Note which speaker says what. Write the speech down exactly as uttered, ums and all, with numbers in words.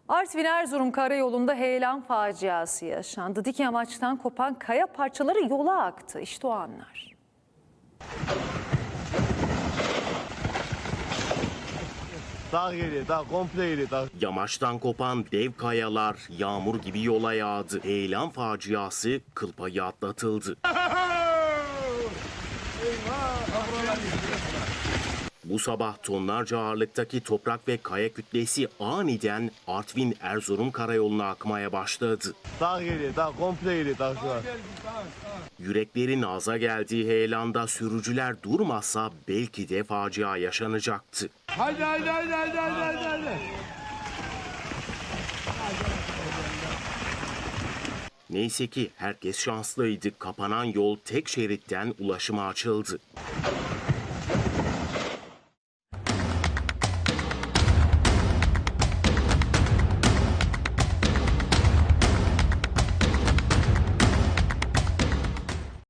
Speaker 1: Artvin-Erzurum karayolunda heyelan faciası yaşandı. Dik yamaçtan kopan kaya parçaları yola aktı. İşte o anlar.
Speaker 2: Dağ geliyor, dağ komple geliyor, dağ.
Speaker 3: Yamaçtan kopan dev kayalar yağmur gibi yola yağdı. Heyelan faciası kıl payı atlatıldı. Bu sabah tonlarca ağırlıktaki toprak ve kaya kütlesi aniden Artvin-Erzurum karayoluna akmaya başladı.
Speaker 2: Dağ geliyor, dağ komple geliyor, dağ şu an.
Speaker 3: Yüreklerin ağza geldiği heyelanda sürücüler durmasa belki de facia yaşanacaktı.
Speaker 2: Haydi haydi haydi haydi haydi haydi.
Speaker 3: Neyse ki herkes şanslıydı. Kapanan yol tek şeritten ulaşıma açıldı.